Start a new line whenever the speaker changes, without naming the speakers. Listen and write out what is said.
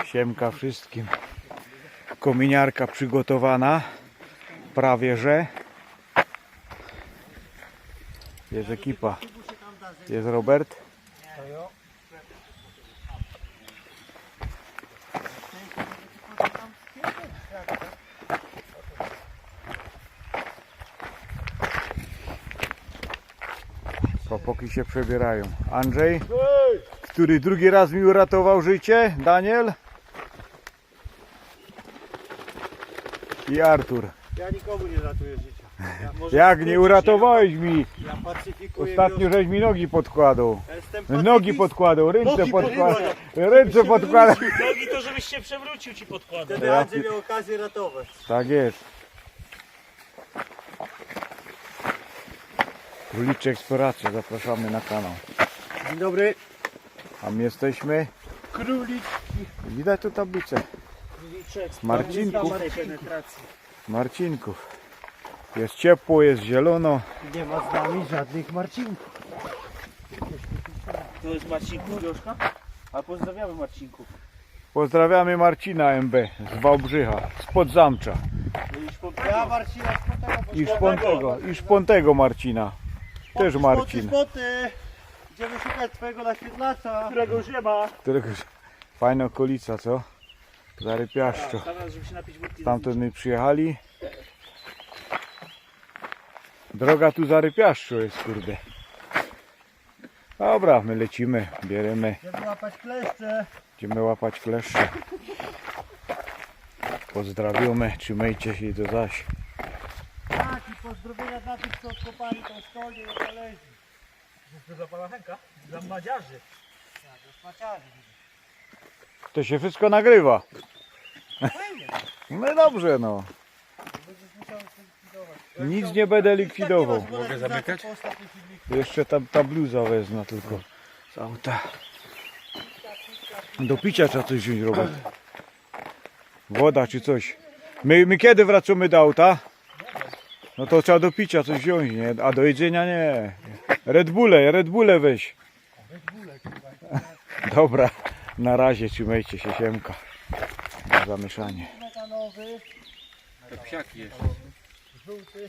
Siemka wszystkim. Kominiarka przygotowana. Prawie że. Jest ekipa. Jest Robert. Chłopaki się przebierają. Andrzej, który drugi raz mi uratował życie. Daniel. I Artur.
Ja nikomu nie ratuję życia.
Jak nie uratowałeś mi?
Ja pacyfikuję
Ostatnio
wiosnę.
żeś mi nogi podkładał.
Ja jestem
Nogi
pacyfistą.
podkładał, ręce
Nogi
podkładał.
podkładał.
Ręce podkładał.
Nogi to żebyś się przewrócił ci podkładam.
Wtedy Andrzej miał okazję ratować.
Tak jest. Króliczek Eksploracja, zapraszamy na kanał.
Dzień dobry.
A my jesteśmy.
Królik.
Widać tu tablicę.
Króliczek,
Marcinków.
penetracji.
Marcinków. Jest ciepło, jest zielono.
Nie ma z nami żadnych Marcinków.
To jest Marcinków Joszka? A pozdrawiamy Marcinków.
Pozdrawiamy Marcina MB z Wałbrzycha, spod Zamcza.
Ja Marcina
I Szpontego Marcina. Też Marcin.
Spoty. Idziemy szukać twojego naświetlacza.
Którego już nie ma.
Którego... Fajna okolica, co? Zarypiaszczo.
Teraz, żeby się napić wódki.
Stamtąd my przyjechali. Droga tu zarypiaszczo jest, kurde. Dobra, my lecimy, bierzemy,
Idziemy łapać kleszcze.
idziemy łapać kleszcze. Pozdrawiamy, trzymajcie się i do zaś.
Tak, i pozdrowienia dla tych, co odkopali tą szkolnię i znaleźli.
To za pana Henka? Dla madziarzy.
Tak, do szmaciarzy.
To się wszystko nagrywa. No dobrze, no.
Będziesz musiał się likwidować.
Nic nie będę likwidował.
Mogę zamykać?
Jeszcze tam ta bluza wezmę tylko z auta. Do picia trzeba coś wziąć, Robert. Woda czy coś. My kiedy wracamy do auta? No to trzeba do picia coś wziąć, nie? A do jedzenia nie. Red Bulle weź. Dobra, na razie trzymajcie się, siemka. Na zamieszanie.
Metanowy.
To psiaki jeszcze.
Żółty.